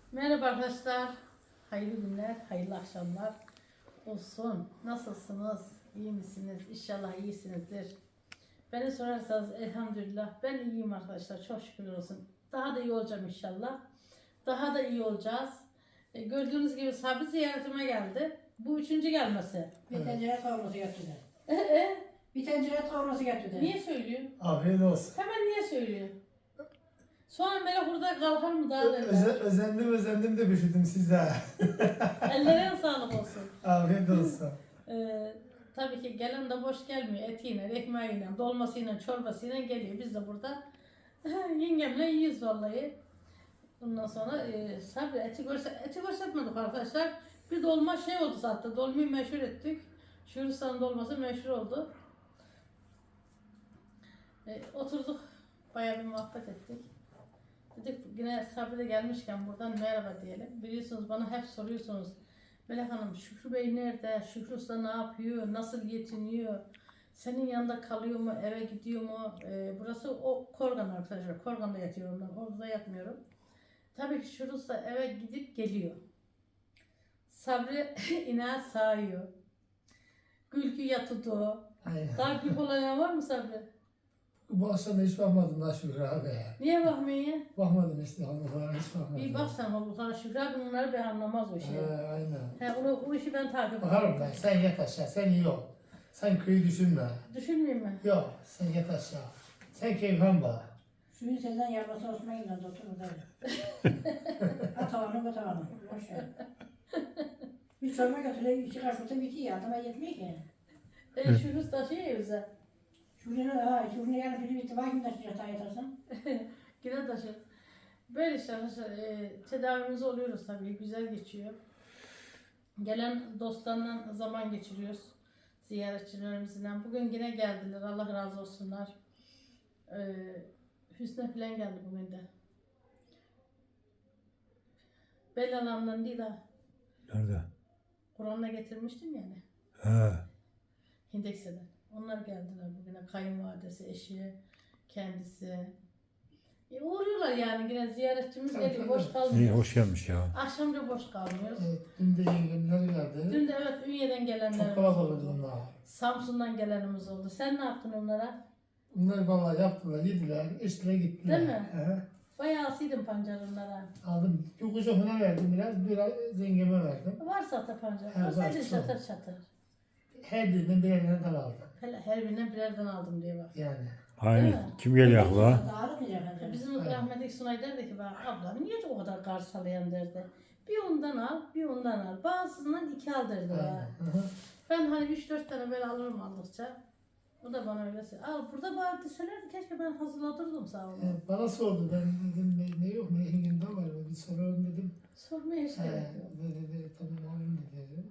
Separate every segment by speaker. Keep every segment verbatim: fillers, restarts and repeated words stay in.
Speaker 1: Merhaba arkadaşlar. Hayırlı günler, hayırlı akşamlar olsun. Nasılsınız? İyi misiniz? İnşallah iyisinizdir. Beni sorarsanız elhamdülillah ben iyiyim arkadaşlar. Çok şükürler olsun. Daha da iyi olacağım inşallah. Daha da iyi olacağız. E, gördüğünüz gibi Sabri ziyaretime geldi. Bu üçüncü gelmesi.
Speaker 2: Bir tencere kavurması getirdi.
Speaker 1: E, e,
Speaker 2: Bir tencere kavurması getirdi.
Speaker 1: niye söylüyor?
Speaker 3: Afiyet olsun.
Speaker 1: Hemen niye söylüyor? Sonra böyle burada kalkar mı daha da?
Speaker 3: Öze, özendim özendim de pişirdim size.
Speaker 1: Ellerine sağlık olsun.
Speaker 3: Afiyet olsun.
Speaker 1: Ee, tabii ki gelen de boş gelmiyor. Etiyle, ekmeğiyle, dolmasıyla, çorbasıyla geliyor. Biz de burada yengemle yiyiz vallahi. Bundan sonra e, Sabri eti, görse, eti göstermedik arkadaşlar. Bir dolma şey oldu zaten. Dolmayı meşhur ettik. Şuristan dolması meşhur oldu. E, oturduk. Bayağı bir muhabbet ettik. Dedik yine Sabri de gelmişken buradan merhaba diyelim. Biliyorsunuz bana hep soruyorsunuz. Melek Hanım, Şükrü Bey nerede? Şükrü Usta ne yapıyor? Nasıl yetiniyor? Senin yanında kalıyor mu? Eve gidiyor mu? Ee, burası o Korgan arkadaşlar. Korgan'da yatıyorum ben. Orada yatmıyorum. Tabii ki Şükrü Usta eve gidip geliyor. Sabri ineğe sağıyor. Gülkü yatıdı.
Speaker 3: Aynen.
Speaker 1: Daha gülk olan var mı Sabri?
Speaker 3: Bu akşam da hiç bakmadım da Şükrü abi.
Speaker 1: Niye bakmıyor ya?
Speaker 3: Bakmadım işte onlara hiç bakmadım.
Speaker 1: Bir bak sen Haluk'a. Şükrü abi bunları bir anlamaz o işi.
Speaker 3: He, aynen.
Speaker 1: He, onu, o işi ben takip ediyorum.
Speaker 3: Bakarım ben. Sen yat aşağı. Sen iyi ol. Sen köyü düşünme.
Speaker 1: Düşünmeyeyim mi?
Speaker 3: Yok. Sen yat aşağı. Sen keyfan bak.
Speaker 2: Suyun senden yarması Osman gidiyordu oturur böyle. At tavanı bu tavanı. Boş ver. Bir çorba götürüyor, iki kaşıkta bitiyor. Adama yetmiyor ki.
Speaker 1: E, Şükrü Usta şey ya bize.
Speaker 2: Şurada ha, şurada yarın biri bitti. Bak kim taşıyacak daha yatarsın.
Speaker 1: Yine taşı. Böyle işte arkadaşlar e, tedavimiz oluyoruz tabii. Güzel geçiyor. Gelen dostlarla zaman geçiriyoruz. Ziyaretçilerimizden. Bugün yine geldiler. Allah razı olsunlar. E, Hüsnü falan geldi bugün de. Bellalan'dan değil ha.
Speaker 4: Nerede?
Speaker 1: Kur'an'la getirmiştim yani.
Speaker 4: He.
Speaker 1: Hindekse'den. Onlar geldiler bugüne. Kayınvalidesi, eşi, kendisi. E, uğruyorlar yani yine ziyaretçimiz
Speaker 3: Tabii,
Speaker 1: geliyor.
Speaker 3: tabii.
Speaker 1: Boş
Speaker 4: İyi,
Speaker 1: kalmıyoruz.
Speaker 4: hoş gelmiş ya.
Speaker 1: Akşamca boş kalmıyoruz.
Speaker 3: Evet, dün de yengemler geldi.
Speaker 1: Dün de evet Ünye'den
Speaker 3: Çok
Speaker 1: gelenlerimiz
Speaker 3: kalabalık
Speaker 1: oldu.
Speaker 3: bunlar.
Speaker 1: Samsun'dan gelenimiz oldu. Sen ne yaptın onlara?
Speaker 3: Bunlar vallahi yaptılar, yediler, içtiler gittiler.
Speaker 1: Değil mi?
Speaker 3: He.
Speaker 1: Bayağı asıydım pancarınlara.
Speaker 3: Aldım. Bir kucağına verdim biraz, biraz zengeme verdim.
Speaker 1: Varsa ata pancar.
Speaker 3: He, var,
Speaker 1: Varsa
Speaker 3: çok.
Speaker 1: çatır çatır.
Speaker 3: Her birinden birer tane dal aldım.
Speaker 1: Hele her birinden birerden aldım diye bak.
Speaker 3: Yani.
Speaker 1: Değil
Speaker 4: Aynı.
Speaker 1: mi?
Speaker 4: Kim geliyor akla?
Speaker 2: Dağılmayacak bence.
Speaker 1: Bizim
Speaker 3: Aynen.
Speaker 1: rahmetli Sunay derdi ki bak ablam niye o kadar kar salayan derdi. Bir ondan al, bir ondan al. Bazısından iki al derdi bana.
Speaker 3: Aynen. Hı hı.
Speaker 1: Ben hani üç dört tane böyle alırım aldıkça. O da bana öyle söyledi. Al burada bari deselerdi keşke ben hazırlatırdım sağ olun.
Speaker 3: Evet, bana sordu, ben dedim ne, ne yok, ne ilginde var, bir soralım dedim.
Speaker 1: Sormaya hiç
Speaker 3: He,
Speaker 1: gerek yok.
Speaker 3: dedi, dedi, tamam alayım dedi.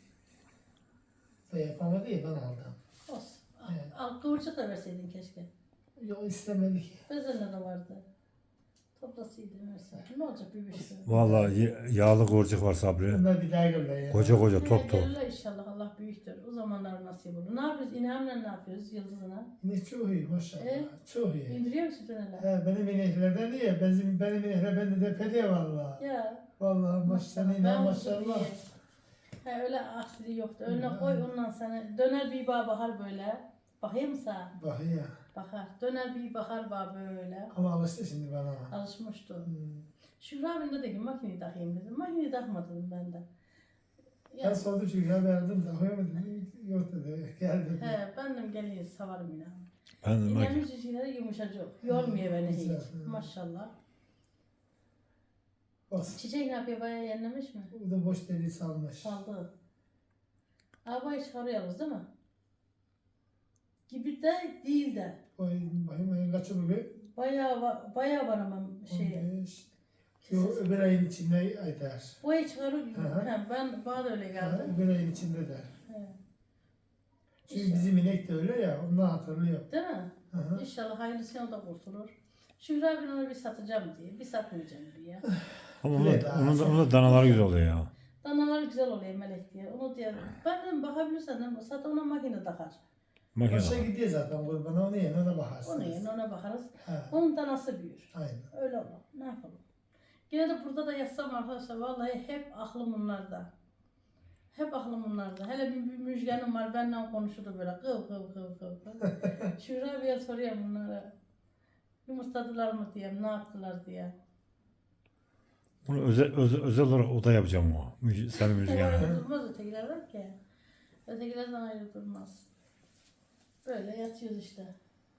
Speaker 3: Da yapamadı ya, ben aldım.
Speaker 1: Olsun. Al,
Speaker 3: Evet.
Speaker 1: al kıvırcık da verseydin keşke.
Speaker 3: Yok istemedik.
Speaker 1: Bezenle de vardı. Toplasaydın versen. Ne olacak bir bir şey.
Speaker 4: Vallahi y- yağlı kıvırcık var Sabri.
Speaker 3: Bunlar bir daha gönder ya.
Speaker 4: Koca koca
Speaker 1: Hele
Speaker 4: top top.
Speaker 1: gelirler inşallah Allah büyüktür. O zamanlar nasip olur. Ne yapıyoruz? İnanla ne yapıyoruz Yıldız'ına?
Speaker 3: Yine çok iyi maşallah.
Speaker 1: E?
Speaker 3: Çok iyi.
Speaker 1: İndiriyor musun neler?
Speaker 3: He, benim ineklerden iyi. Bizim, benim inekler bende de pede valla.
Speaker 1: Ya.
Speaker 3: Valla maşallah
Speaker 1: Ben onu
Speaker 3: maşallah.
Speaker 1: iyi. He öyle aksiliği yoktu. Önüne
Speaker 3: Hı,
Speaker 1: koy
Speaker 3: aynen.
Speaker 1: ondan sana. Döner bir bağ bakar böyle. Bakayım sana.
Speaker 3: Bak ya.
Speaker 1: Bakar. Döner bir bakar bağ böyle.
Speaker 3: Ama alıştı şimdi bana.
Speaker 1: Alışmıştı.
Speaker 3: Hmm.
Speaker 1: Şükrü abim dedi ki makineyi takayım dedim. Makineyi takma dedim ben de.
Speaker 3: Ben
Speaker 1: Ya,
Speaker 3: sordum çünkü ya verdim de koyamadım dedim. Yok dedi. Gel dedi.
Speaker 1: he, ben de geleyim savarım yine.
Speaker 4: Ben de bak-
Speaker 1: İnemin cicileri yumuşacık. Yormuyor beni hiç.
Speaker 3: Güzel, hı.
Speaker 1: Maşallah.
Speaker 3: Bas.
Speaker 1: Çiçek ne yapıyor? Bayağı yenilemiş mi?
Speaker 3: Bu da boş dediği salmış.
Speaker 1: Saldı. Arabayı çıkarıyoruz değil mi? Gibi de değil de.
Speaker 3: Bakayım bakayım ayın kaçı bugün?
Speaker 1: Bayağı va- bayağı var ama şey.
Speaker 3: on beş. Yok öbür ayın içinde ay der.
Speaker 1: Bu ay çıkarıyor.
Speaker 3: Hı hı.
Speaker 1: He, ben bana da öyle
Speaker 3: Ha,
Speaker 1: geldi.
Speaker 3: öbür ayın içinde der.
Speaker 1: He.
Speaker 3: Çünkü
Speaker 1: İnşallah.
Speaker 3: bizim inek de öyle ya, ondan hatırlıyor.
Speaker 1: Değil mi?
Speaker 3: Hı hı.
Speaker 1: İnşallah hayırlısıyla o da kurtulur. Şükrü abinin onu bir satacağım diye, bir satmayacağım diye.
Speaker 4: Ama onun, onun, da, onun da danaları güzel oluyor ya.
Speaker 1: Danalar güzel oluyor melek diye. Onu diye. Ben dedim bakabilirsen dedim, sat ona makine takar.
Speaker 4: Makine
Speaker 3: Başa
Speaker 4: var.
Speaker 3: gidiyor zaten kurbana, onu yerine ona bakarsınız.
Speaker 1: Onu yerine ona bakarız.
Speaker 3: Ha,
Speaker 1: Onun danası büyür.
Speaker 3: aynen.
Speaker 1: Öyle olur. Ne yapalım? Yine de burada da yatsam arkadaşlar vallahi hep aklım bunlarda. Hep aklım bunlarda. Hele bir, bir müjganım var benimle konuşurdu böyle kıv kıv kıv kıv kıv. Şura abiye soruyorum bunlara. Yumurtladılar mı diyeyim, ne yaptılar diye.
Speaker 4: Bunu özel, özel, özel olarak oda yapacağım o. Müj- Senin müjganı.
Speaker 1: Ötekiler durmaz, ötekiler var ki. Ötekilerden ayrı durmaz. Böyle yatıyoruz işte.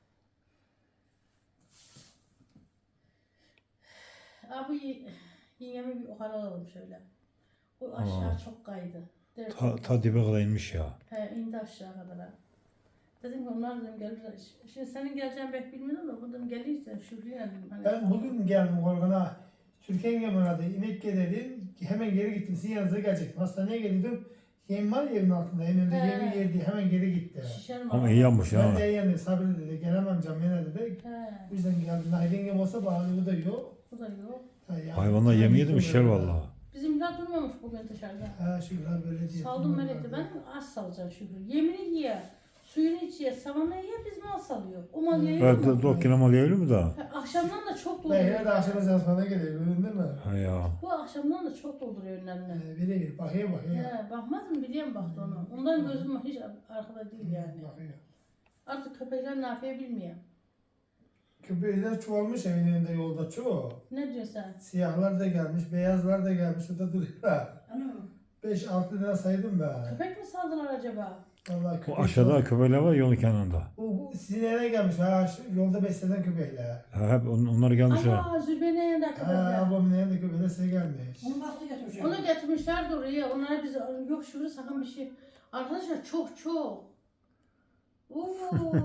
Speaker 1: Abi yengemi bir okara alalım şöyle. O aşağı
Speaker 4: Aa.
Speaker 1: çok kaydı. Dert
Speaker 4: Ta, ta dibe kadar inmiş ya.
Speaker 1: He indi aşağı kadar ha. Dedim ki onlar dedim gelirler. Şimdi senin geleceğin pek bilmiyorum da bu dedim gelirse Şükrü'yle dedim. Hani
Speaker 3: Ben bugün geldim Korgan'a. Türkiye'nin yemem aradı. İnek gelelim. Hemen geri gittim. Sizin yanınıza gelecektim. Hastaneye geliyordum. Yem var ya evin altında. En önde
Speaker 1: He.
Speaker 3: yemi yerdi. Hemen geri gitti.
Speaker 1: şişer mi?
Speaker 4: Ama iyi yapmış
Speaker 3: Ben
Speaker 4: ya.
Speaker 3: de yandım. Sabri dedi. Gelemem canım yine dedi.
Speaker 1: He
Speaker 3: O yüzden geldim. Nahil yengem olsa bana bu da yok.
Speaker 1: bu da yok.
Speaker 3: Ha, ya.
Speaker 4: Hayvanlar yem yedi mi şişer vallahi.
Speaker 1: Bizimkiler durmamış bugün dışarıda.
Speaker 3: Ha şükürler böyle diyor.
Speaker 1: Saldım melekti. Ben az salacağım Şükrü. Yemini ye. Suyunu iç ye. Samanı ye. Biz mal salıyor. O mal yiyor
Speaker 4: Evet,
Speaker 1: mu?
Speaker 4: dok yine mal yiyebilir mi daha?
Speaker 1: Ha, Akşamdan da çok
Speaker 3: Ben
Speaker 1: dolduruyor.
Speaker 3: yine de akşam ezanına geliyor. Görün değil mi?
Speaker 4: Ha ya.
Speaker 1: Bu akşamdan da çok dolduruyor önlerine.
Speaker 3: Ee, biri bir bakıyor bakıyor.
Speaker 1: He, bakmaz mı biliyorum baktı onu. Ondan gözüm hiç arkada değil yani.
Speaker 3: Bakıyor.
Speaker 1: Artık köpekler ne yapıyor bilmiyorum.
Speaker 3: Köpekler çoğalmış evin önünde yolda çoğu.
Speaker 1: Ne diyorsun sen?
Speaker 3: Siyahlar da gelmiş, beyazlar da gelmiş. Orada duruyorlar.
Speaker 2: Anam.
Speaker 3: beş altı lira saydım ben.
Speaker 1: Köpek mi saldılar acaba?
Speaker 3: Vallahi
Speaker 4: O
Speaker 3: köpek
Speaker 4: aşağıda
Speaker 3: var.
Speaker 4: köpekler var yolun kenarında.
Speaker 3: Bu, bu sizin eve gelmiş ha şu yolda beslenen köpekler.
Speaker 4: Ha, hep on, onlar gelmiş ha.
Speaker 1: Aa Zülbe'nin yanında
Speaker 3: Ha
Speaker 1: köpekler.
Speaker 3: ablamın yanında köpekler size gelmiş.
Speaker 2: Onu bastı götüreceğim.
Speaker 1: Onu getirmişler de oraya. Onlara biz yok Şükrü sakın bir şey. Arkadaşlar çok çok. Oo.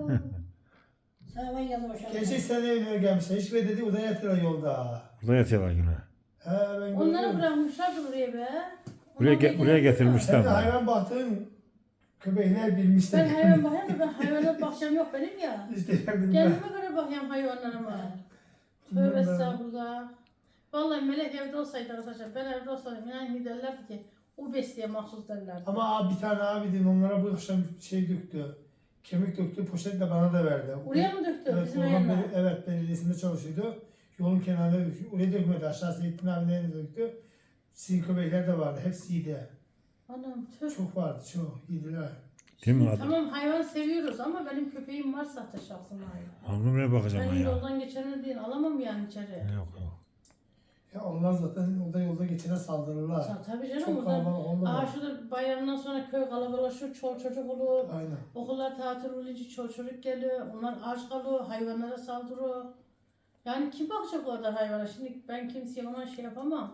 Speaker 2: Sana ben yazı boşaldım.
Speaker 3: Gerçek sen evine gelmişler. Hiç be dedi o da yatıyor yolda.
Speaker 4: Burada yatıyorlar yine.
Speaker 3: He ben
Speaker 1: Onları
Speaker 3: görüyorum.
Speaker 1: bırakmışlar da oraya be.
Speaker 4: Buraya,
Speaker 1: Onlar
Speaker 4: ge- buraya
Speaker 1: da-
Speaker 4: getirmişler.
Speaker 3: Sen de hayvan baktığın köpekler bilmişler.
Speaker 1: Ben hayvan bakıyorum da ben hayvanat bahçem yok benim ya.
Speaker 3: İşte ben bilmem.
Speaker 1: Kendime göre bakıyorum hayvanlarıma. Tövbe
Speaker 3: Bilmem ben.
Speaker 1: estağfurullah. Vallahi Melek evde olsaydı arkadaşlar, ben evde olsaydım yani derlerdi ki o besliye mahsus derlerdi.
Speaker 3: Ama abi bir tane abi dedi onlara bu akşam şey döktü. Kemik döktü poşetle bana da verdi.
Speaker 1: Oraya mı döktü
Speaker 3: Evet,
Speaker 1: bizim
Speaker 3: Orhan
Speaker 1: yanına?
Speaker 3: Bey- evet belediyesinde çalışıyordu. Yolun kenarında döktü. Oraya dökmedi. Aşağısı Ettin abi nereye döktü. Sizin köpekler de vardı. Hepsi iyiydi.
Speaker 1: Anam tüh.
Speaker 3: Çok vardı. Çok yediler.
Speaker 4: Değil mi adam?
Speaker 1: Tamam hayvan seviyoruz ama benim köpeğim var sahte şahsım hayvan.
Speaker 4: Hanım buraya bakacağım
Speaker 1: Ben
Speaker 4: ben ya.
Speaker 1: yoldan geçeni değil alamam yani içeri.
Speaker 4: Yok yok.
Speaker 3: Ya onlar zaten o da yolda geçene saldırırlar.
Speaker 1: Ya, tabii canım
Speaker 3: Çok
Speaker 1: burada.
Speaker 3: kalabalık oldu
Speaker 1: Aa
Speaker 3: mu?
Speaker 1: şurada bayramdan sonra köy kalabalaşıyor, çol çocuk olur.
Speaker 3: Aynen.
Speaker 1: Okullar tatil olunca çol çocuk geliyor. Onlar aç kalıyor, hayvanlara saldırıyor. Yani kim bakacak o kadar hayvana? Şimdi ben kimseye ona şey yapamam.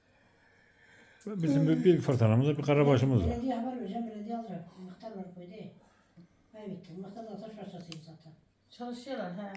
Speaker 4: Bizim bir, bir fırtınamızda bir karabaşımız var.
Speaker 2: Belediye haber vereceğim. Belediye alacak. Muhtar var koydu. Ben bittim. Muhtar da ateş parçasıyım zaten.
Speaker 1: Çalışıyorlar he.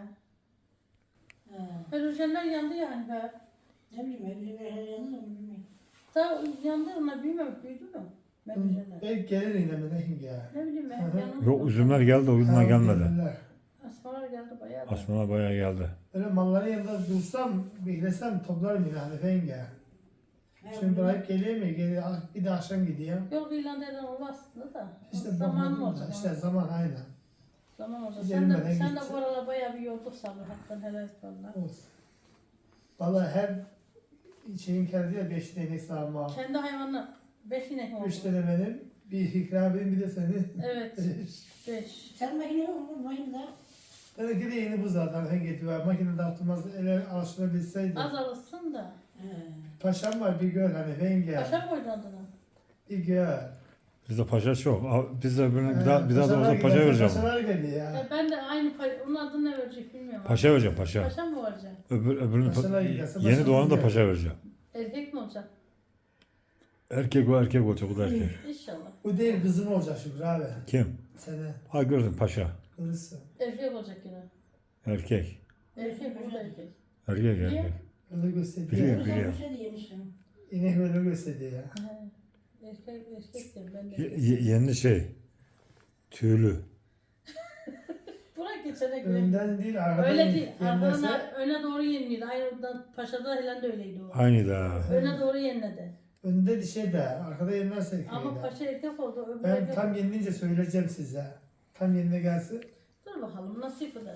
Speaker 2: He.
Speaker 1: Halojenler yandı yani be.
Speaker 2: Ne bileyim ya. Bizim her yanında da onu bilmiyorum.
Speaker 1: Daha yandı onlar büyümemiş, büyüdü mü? Halojenler.
Speaker 3: Belki gelir yine mi ne ya?
Speaker 1: Ne bileyim ben.
Speaker 3: Hı hı.
Speaker 1: yanıldım.
Speaker 4: Yok üzümler geldi o yüzden gelmedi.
Speaker 3: gelirler.
Speaker 1: Asmalar geldi bayağı. da.
Speaker 4: Asmana bayağı geldi.
Speaker 3: Böyle malların yanında dursam, beklesem toplarım yine Hanife yenge.
Speaker 2: Ben
Speaker 3: Şimdi
Speaker 2: bunu-
Speaker 3: bırakıp geleyim mi? Gel, bir de akşam gideyim.
Speaker 1: Yok ilan eden olur aslında da.
Speaker 3: İşte
Speaker 1: Zamanın
Speaker 3: zaman
Speaker 1: olacak.
Speaker 3: İşte
Speaker 1: ama.
Speaker 3: zaman aynen.
Speaker 1: Zaman olacak.
Speaker 3: Gidelim
Speaker 1: Sen de,
Speaker 3: ben,
Speaker 1: sen de
Speaker 3: gideceğim.
Speaker 1: bu aralar bayağı bir yolduk sabır. Hakikaten helal et valla.
Speaker 3: Olsun. Vallahi her şeyin kendi de beş tane sağma.
Speaker 1: Kendi hayvanla beş inek mi oldu?
Speaker 3: Üç tane benim, bir ikrabim bir de senin.
Speaker 1: Evet. Beş.
Speaker 2: Sen makine yok mu? Makinede.
Speaker 3: Benimki de yeni bu zaten. Hangi getiriyor? Makinede atılmaz, ele alıştırabilseydim.
Speaker 1: Az alışsın da.
Speaker 2: He.
Speaker 3: Paşam var bir gör hani Fenge.
Speaker 1: Paşa koydu adını.
Speaker 3: Bir gör.
Speaker 4: Bizde paşa çok. Al, Biz de böyle bir daha, bir daha da
Speaker 3: Paşalar
Speaker 4: olsa paşa
Speaker 3: giderse
Speaker 4: vereceğim.
Speaker 3: Paşalar geliyor ya.
Speaker 1: Ya ben de aynı pa- onun adını ne verecek bilmiyorum.
Speaker 4: Paşa vereceğim paşa.
Speaker 1: Paşa mı verecek?
Speaker 4: Öbür, öbürünü
Speaker 3: Paşalar
Speaker 4: pa-
Speaker 3: giderse
Speaker 4: yeni
Speaker 3: paşa
Speaker 4: doğanı da
Speaker 3: güzel.
Speaker 4: paşa vereceğim.
Speaker 1: Erkek mi olacak?
Speaker 4: Erkek o erkek olacak o da erkek.
Speaker 1: İnşallah.
Speaker 3: Bu değil kızım olacak Şükrü abi.
Speaker 4: Kim?
Speaker 3: Sene
Speaker 4: Ha gördün paşa.
Speaker 3: kızısın.
Speaker 1: Erkek olacak yine.
Speaker 4: Erkek.
Speaker 1: Erkek bu da erkek.
Speaker 4: Erkek
Speaker 1: Niye?
Speaker 4: erkek.
Speaker 3: Öyle gösteriyor.
Speaker 4: Biliyor.
Speaker 2: Güzel
Speaker 4: biliyorum.
Speaker 2: bir şey diye eniştem.
Speaker 3: İnek böyle gösteriyor ya.
Speaker 1: He. Erkek erkek de ben de.
Speaker 4: Ye, ye- yeni şey. Tüylü.
Speaker 1: Bırak geçene göre.
Speaker 3: Önden değil arkadan.
Speaker 1: Öyle değil.
Speaker 3: yenilese-
Speaker 1: Arkadan öne doğru yeniliyordu. Aynı Paşa'da helen de öyleydi o.
Speaker 4: Aynı da.
Speaker 1: Öne doğru yeniledi.
Speaker 3: Önde dişe de arkada yenilerse
Speaker 1: Ama
Speaker 3: köyde.
Speaker 1: Paşa erkek oldu. Öbür
Speaker 3: Ben
Speaker 1: erkek-
Speaker 3: tam yenilince söyleyeceğim size. Tam yenine gelsin.
Speaker 1: Dur bakalım nasip eder.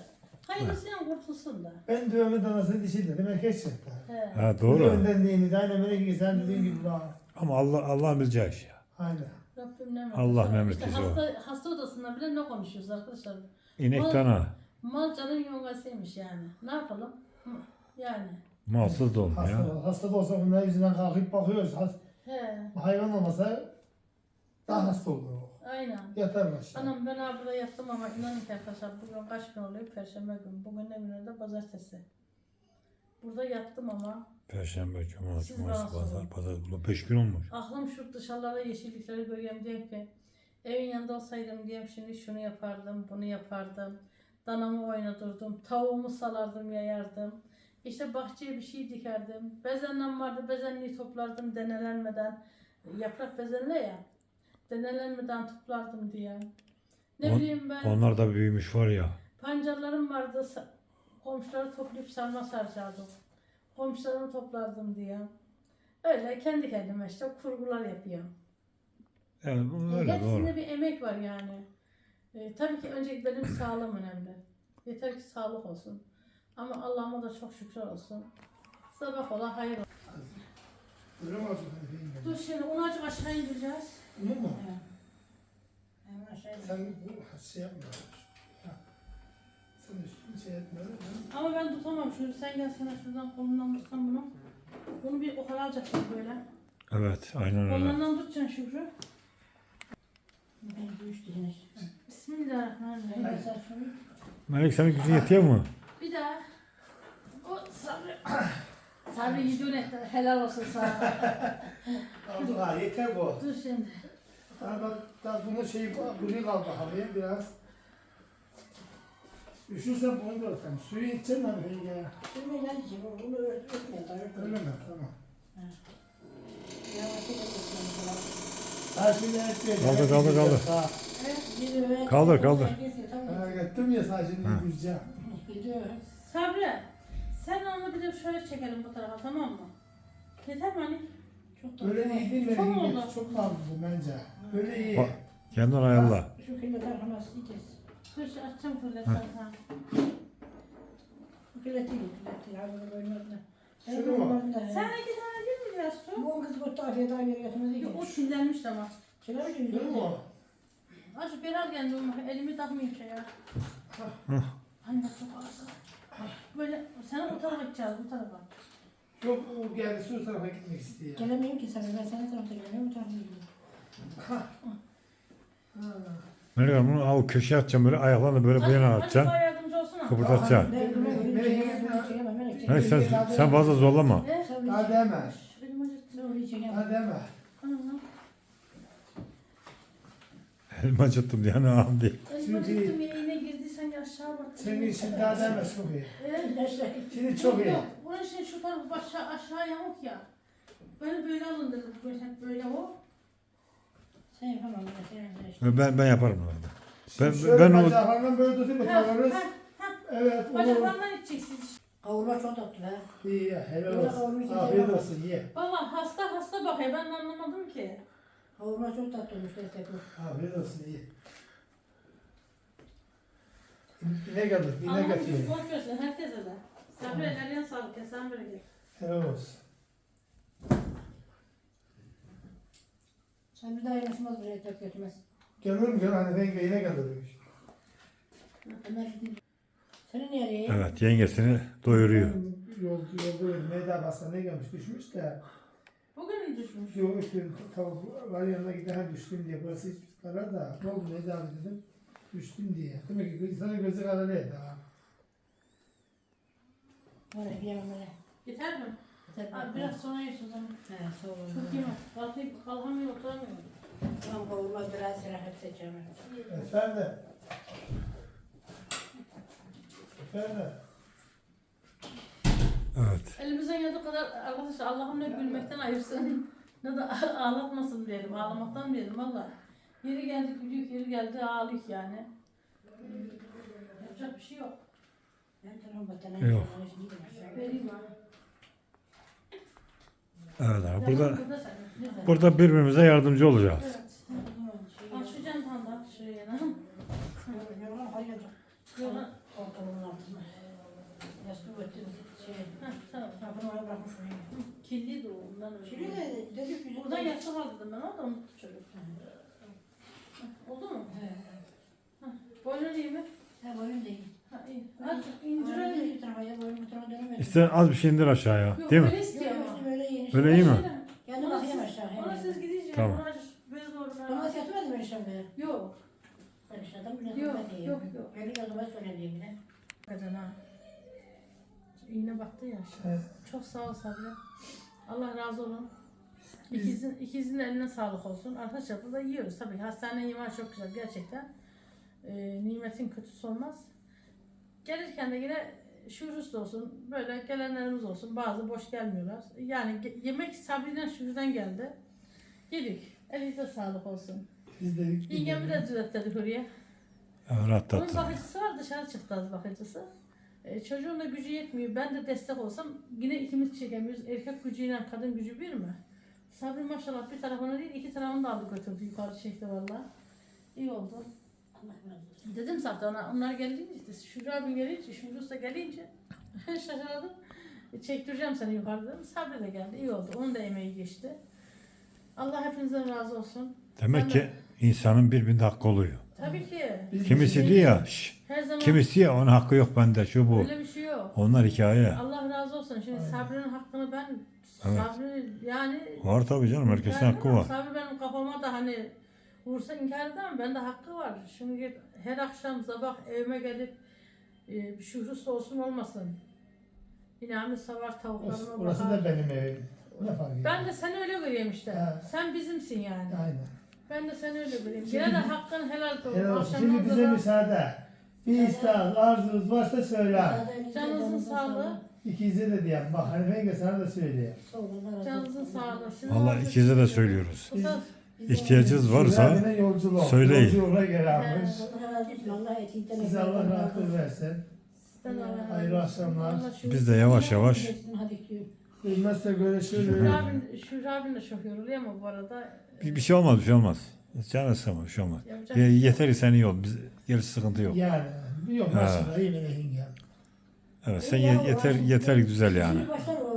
Speaker 1: Hayırlısıyla kurtulsun da.
Speaker 3: Ben dövme danası dişi dedim. Erkek çıktı.
Speaker 1: He.
Speaker 4: Ha doğru.
Speaker 3: Önden değini de aynen böyle ki sen dediğin gibi daha.
Speaker 4: Ama Allah Allah bileceği iş ya.
Speaker 3: Aynen.
Speaker 1: Rabbim ne
Speaker 4: Allah
Speaker 1: işte
Speaker 4: memleketi o.
Speaker 1: hasta, hasta odasında bile ne konuşuyoruz arkadaşlar?
Speaker 4: İnek
Speaker 1: Mal-
Speaker 4: dana.
Speaker 1: Mal canın yongasıymış yani. Ne yapalım? Hı, Yani.
Speaker 4: Malsız da olmuyor ya.
Speaker 3: Hasta, hasta da olsa bunlar yüzünden kalkıp bakıyoruz. Has,
Speaker 1: He.
Speaker 3: hayvan olmasa daha hasta olur o.
Speaker 1: Aynen.
Speaker 3: Yatar başına.
Speaker 1: Anam ben ha burada yattım ama inanın ki arkadaşlar bugün kaç gün oluyor? Perşembe günü. Bugün ne günü de pazartesi. Burada yattım ama
Speaker 4: Perşembe, cuma,
Speaker 1: Siz
Speaker 4: cumartesi,
Speaker 1: rahatsız
Speaker 4: pazar,
Speaker 1: olun.
Speaker 4: pazar. Bu beş gün olmuş.
Speaker 1: aklım şu dışarılarda yeşillikleri görüyorum diyeyim ki evin yanında olsaydım diyeyim şimdi şunu yapardım, bunu yapardım. Danamı oynatırdım, tavuğumu salardım, yayardım. İşte bahçeye bir şey dikerdim. Bezenlem vardı, bezenliği toplardım denelenmeden. Yaprak bezenle ya. Denelenmeden toplardım diye. Ne
Speaker 4: On-
Speaker 1: bileyim ben.
Speaker 4: Onlar da büyümüş var ya.
Speaker 1: Pancarlarım vardı. sa- Komşuları toplayıp sarma sarcardım. Komşularımı toplardım diye. Öyle kendi kendime işte kurgular yapıyorum.
Speaker 4: Evet bu öyle
Speaker 1: Hepsinde
Speaker 4: doğru.
Speaker 1: bir emek var yani. Ee, tabii ki öncelikle benim sağlığım önemli. Yeter ki sağlık olsun. Ama Allah'ıma da çok şükür olsun. Sabah ola hayır olsun.
Speaker 3: Öyle mi olacak?
Speaker 1: Dur şimdi onu azıcık aşağı indireceğiz.
Speaker 3: Bunu mu?
Speaker 2: He. Hemen şey.
Speaker 3: Sen bu şey yapma. Ha. Sen üstünü şey etme. öyle mi?
Speaker 1: Ama ben tutamam şunu. Sen gelsene şuradan kolundan tutsan bunu. Bunu bir o kadar alacaksın böyle.
Speaker 4: Evet aynen öyle.
Speaker 1: Kollarından tutacaksın Şükrü.
Speaker 2: Ben bu üç dişini.
Speaker 1: Bismillahirrahmanirrahim.
Speaker 2: Ben sen şunu.
Speaker 4: Melek senin gücün yetiyor mu?
Speaker 1: Bir daha. O Sabri. Sabri yediğin et. Helal olsun sana.
Speaker 3: Allah yeter bu.
Speaker 1: Dur şimdi.
Speaker 3: Daha bak daha bunun şeyi buraya kaldı havaya biraz. Üşürsen bunu da ötem. Suyu içeceksin lan yenge.
Speaker 2: Şimdi ne diyeceğim? Bunu örtmeye da örtmeye.
Speaker 3: Öyle mi? Tamam.
Speaker 2: Yavaş yavaş.
Speaker 3: Ha şimdi etmeye.
Speaker 4: Kaldır, kaldır, kaldır. Kaldır, kaldır.
Speaker 3: Ha gittim ya sadece
Speaker 4: Ha.
Speaker 3: yüzeceğim.
Speaker 2: Gidiyor.
Speaker 1: Sabri. Sen onu bir de şöyle çekelim bu tarafa tamam mı? Yeter mi hani?
Speaker 2: Çok da
Speaker 3: Böyle iyi değil mi?
Speaker 1: Çok
Speaker 3: Yenge?
Speaker 1: oldu.
Speaker 3: Çok kaldı bu bence. Böyle iyi.
Speaker 4: Bak. Kendin ayarla.
Speaker 2: Şu kirli tarhana sileceğiz.
Speaker 1: Dur şu açacağım şöyle sen. Ha.
Speaker 2: Bu kirli değil. Kirli değil. Hayır böyle.
Speaker 3: Şunu mu?
Speaker 1: Sen iki tane değil mi biraz su?
Speaker 2: Bu kız bu tarihe daha geri getirmedi
Speaker 1: Yok o
Speaker 2: ki.
Speaker 1: çillenmiş ama.
Speaker 2: Kirli mi
Speaker 3: Değil
Speaker 2: kirli?
Speaker 3: mi o?
Speaker 1: Acı biraz geldi ama elimi takmayayım şey ya. Anne çok ağır. Böyle sen o tarafa gideceğiz bu tarafa.
Speaker 3: Yok o geldi şu tarafa gitmek istiyor.
Speaker 2: Gelemeyim ki sana. Ben sana tarafta gelemiyorum. Bu tarafta geliyorum.
Speaker 3: Ha.
Speaker 4: Melek Hanım bunu al köşeye atacaksın böyle ayaklarını böyle bu yana
Speaker 1: Acı
Speaker 4: atacaksın.
Speaker 1: bana yardımcı olsana.
Speaker 4: Kıpırdatacaksın.
Speaker 2: Ben bunu
Speaker 3: Melek-
Speaker 2: böyle
Speaker 3: Melek-
Speaker 2: çekemem. Çekemem. Melek
Speaker 4: Melek
Speaker 2: çekemem.
Speaker 4: sen, sen fazla zorlama.
Speaker 1: Ne?
Speaker 2: Sen
Speaker 3: Daha
Speaker 2: bir
Speaker 3: deme.
Speaker 1: Elim acıttı.
Speaker 2: Sen orayı çekemem.
Speaker 3: Daha deme.
Speaker 1: Ana.
Speaker 4: Elimi acıttım diye ne ağam diye.
Speaker 1: Elim
Speaker 3: Çünkü-
Speaker 1: acıttım ya iğne girdiysen ya aşağı bak.
Speaker 3: Senin için daha deme çok iyi.
Speaker 1: Evet.
Speaker 3: Şimdi çok iyi.
Speaker 1: Yok, bunun için şu tarafı aşağı, aşağı yamuk ya. Böyle böyle alın dedim. Böyle, böyle o.
Speaker 2: Sen yapamam. Ben sen işte.
Speaker 4: Ben ben yaparım orada. Ben
Speaker 3: Şöyle
Speaker 4: ben o
Speaker 3: bacaklarından böyle tutup
Speaker 1: Ha,
Speaker 3: otururuz.
Speaker 1: ha, ha.
Speaker 3: Evet. olur.
Speaker 1: Bacaklarından içeceksiniz.
Speaker 2: Kavurma çok tatlı ha.
Speaker 3: İyi ya helal
Speaker 2: Böyle
Speaker 3: olsun.
Speaker 2: kavurmuş
Speaker 3: Afiyet
Speaker 2: güzel
Speaker 3: olsun ye.
Speaker 1: Valla hasta hasta bakıyor ben de anlamadım ki.
Speaker 2: Kavurma çok tatlı olmuş destek bu.
Speaker 3: Afiyet olsun iyi. İnek alır, inek
Speaker 1: Allah'ım
Speaker 3: atıyor.
Speaker 1: bizi boş versin herkese de. Sabri ellerine sağlık kesen böyle gel.
Speaker 3: Helal olsun.
Speaker 2: Sen bir daha yanaşmaz buraya tek götürmez.
Speaker 3: Gelirim gel hani ben inek alırmış.
Speaker 2: Ömer gidin. Seni nereye?
Speaker 4: evet yengesini doyuruyor.
Speaker 3: Yol, yolda meydan basa ne gelmiş düşmüş de.
Speaker 1: Bugün mü düşmüş?
Speaker 3: Yol işte tavuk var yanına giderken düştüm diye burası hiç karar da. Ne oldu ne devam dedim. Düştüm diye. Demek ki insanın gözü kararıydı ha.
Speaker 2: Oraya gidemem öyle.
Speaker 1: Yeter mi?
Speaker 2: Yeter
Speaker 1: Abi
Speaker 2: bak.
Speaker 1: biraz sonra yiyorsun zaman.
Speaker 2: He sağ ol.
Speaker 1: Çok yeme. Kalkayım kalkamıyor oturamıyor.
Speaker 2: Tamam kavurma biraz rahat edeceğim.
Speaker 3: Efendim. Efendim.
Speaker 4: Evet.
Speaker 1: Elimizden geldiği kadar arkadaşlar Allah'ım ne gülmekten ayırsın ne de ağlatmasın diyelim. Ağlamaktan diyelim valla. Yeri geldik gülüyor, yeri geldi ağlıyor yani. Yapacak bir şey yok.
Speaker 2: Ben telefon batarya
Speaker 4: Yok.
Speaker 1: Vereyim bana.
Speaker 4: Evet abi burada
Speaker 1: Burada sen. Güzel.
Speaker 4: burada birbirimize yardımcı olacağız.
Speaker 1: Evet. Al şu çantanı da şuraya.
Speaker 2: Yok, hayır.
Speaker 1: Yola
Speaker 2: Ortalığın altına. Şimdi de dedik bizim
Speaker 1: Buradan yastık al dedim ben, o da unuttu çocuk. Oldu mu?
Speaker 2: He.
Speaker 1: Boynun iyi mi?
Speaker 2: He boyun değil.
Speaker 1: Ha iyi. Azıcık
Speaker 2: Boyun
Speaker 1: indirelim.
Speaker 2: değil bir tarafa ya boyun bu tarafa dönemedim.
Speaker 4: İşte az bir şey indir aşağıya.
Speaker 1: Yok
Speaker 4: Değil mi?
Speaker 1: böyle istiyor
Speaker 2: Yok
Speaker 1: ama.
Speaker 2: işte böyle yeni.
Speaker 4: Böyle iyi mi?
Speaker 2: Kendi
Speaker 1: Ona
Speaker 2: bakayım
Speaker 1: siz,
Speaker 2: aşağı.
Speaker 1: ona siz gideceksiniz.
Speaker 4: Tamam.
Speaker 1: Ona bez doğru.
Speaker 2: Domates yatmadı ben işte be.
Speaker 1: Yok.
Speaker 2: Ben işte adam bile
Speaker 1: Yok,
Speaker 2: domates
Speaker 1: yok,
Speaker 2: yiyor.
Speaker 1: yok.
Speaker 2: Beni de domates söylediğim bile.
Speaker 1: Hakikaten ha. İğne baktı ya.
Speaker 3: Evet.
Speaker 1: Çok sağ ol Sabri. Allah razı olsun.
Speaker 3: Biz-
Speaker 1: İkizin, ikizin eline sağlık olsun. Arkadaşlar burada yiyoruz tabii. Hastane yemeği çok güzel gerçekten. Ee, nimetin kötüsü olmaz. Gelirken de yine şuuruz olsun. Böyle gelenlerimiz olsun. Bazı boş gelmiyorlar. Yani ge- yemek Sabri'den şuurdan geldi. Yedik. Elinize sağlık olsun.
Speaker 3: Biz de
Speaker 1: Yengemi de düzelttirdik oraya.
Speaker 4: Evet,
Speaker 1: Onun
Speaker 4: rahatlattın.
Speaker 1: bakıcısı var, dışarı çıktı az bakıcısı. E, çocuğun da gücü yetmiyor. Ben de destek olsam yine ikimiz çekemiyoruz. Erkek gücüyle kadın gücü bir mi? Sabri maşallah bir tarafını değil iki tarafını da aldı götürdü, yukarı çekti valla. İyi oldu.
Speaker 2: Allah razı olsun.
Speaker 1: Dedim zaten ona, onlar gelince işte Şükrü abin gelince, Şükrü Usta gelince şaşırdım. E, çektireceğim seni yukarı dedim. Sabri de geldi, iyi oldu. Onun da emeği geçti. Allah hepinizden razı olsun.
Speaker 4: Demek
Speaker 1: Ben
Speaker 4: ki
Speaker 1: de-
Speaker 4: insanın birbirinde hakkı oluyor.
Speaker 1: Tabii ki.
Speaker 3: Biz-
Speaker 4: Kimisi diyor ya, şş,
Speaker 1: Her zaman
Speaker 4: kimisi diyor onun hakkı yok bende, şu bu.
Speaker 1: öyle bir şey yok.
Speaker 4: Onlar hikaye.
Speaker 1: Allah razı olsun. Şimdi
Speaker 3: Aynen.
Speaker 1: Sabri'nin hakkını ben
Speaker 4: Evet.
Speaker 1: Sabri yani
Speaker 4: Var tabii canım, herkesin
Speaker 1: inkar
Speaker 4: hakkı
Speaker 1: edemem.
Speaker 4: var.
Speaker 1: Sabri benim kafama da hani vursa inkar edemem. Bende hakkı var. Şimdi her akşam sabah evime gelip e, bir şuhrus olsun olmasın. İnanın savar tavuklarıma
Speaker 3: Orası, orası
Speaker 1: bakar.
Speaker 3: da benim evim. Ne fark ediyor?
Speaker 1: Ben de seni öyle göreyim işte.
Speaker 3: Ha.
Speaker 1: Sen bizimsin yani.
Speaker 3: Aynen.
Speaker 1: Ben de seni öyle göreyim.
Speaker 3: Şimdi-
Speaker 1: Yine de hakkın helal olsun.
Speaker 3: Helal olsun.
Speaker 1: Akşam
Speaker 3: Şimdi bize
Speaker 1: namazda-
Speaker 3: müsaade. Bir isteğiniz, arzunuz varsa söyle.
Speaker 1: Canınızın sağlığı.
Speaker 3: İkize de diyeyim. Bak Hanife sana da söyleyeyim.
Speaker 1: Canınızın sağlığı. Sizin
Speaker 4: Vallahi
Speaker 1: olsun.
Speaker 4: ikize de söylüyoruz.
Speaker 1: Bu da-
Speaker 4: İhtiyacınız varsa
Speaker 3: Şuraya yolculuk.
Speaker 4: söyleyin.
Speaker 3: Yolcu yoluna gel almış.
Speaker 2: Allah razı olsun. Allah etinden
Speaker 3: Size Allah rahatlık versin.
Speaker 1: Sizden Allah razı
Speaker 3: Hayırlı
Speaker 1: olsun.
Speaker 3: akşamlar.
Speaker 1: Allah şükür.
Speaker 4: biz de yavaş yavaş
Speaker 2: Hadi diyor.
Speaker 3: Bilmezse görüşürüz.
Speaker 1: Şükrü abin, Şükrü abin de çok yoruluyor ama bu arada
Speaker 4: bir, bir şey olmaz, bir şey olmaz. Canı sıkma, bir şey olmaz.
Speaker 1: yapacak
Speaker 4: Ye-
Speaker 1: bir şey yok.
Speaker 4: Yeter ki sen iyi ol, biz, gerisi sıkıntı yok.
Speaker 3: Yani yok
Speaker 4: Ha.
Speaker 3: maşallah iyi bir yenge.
Speaker 4: Evet, sen ye- yeter yeter güzel yani.
Speaker 2: Şimdi başlar o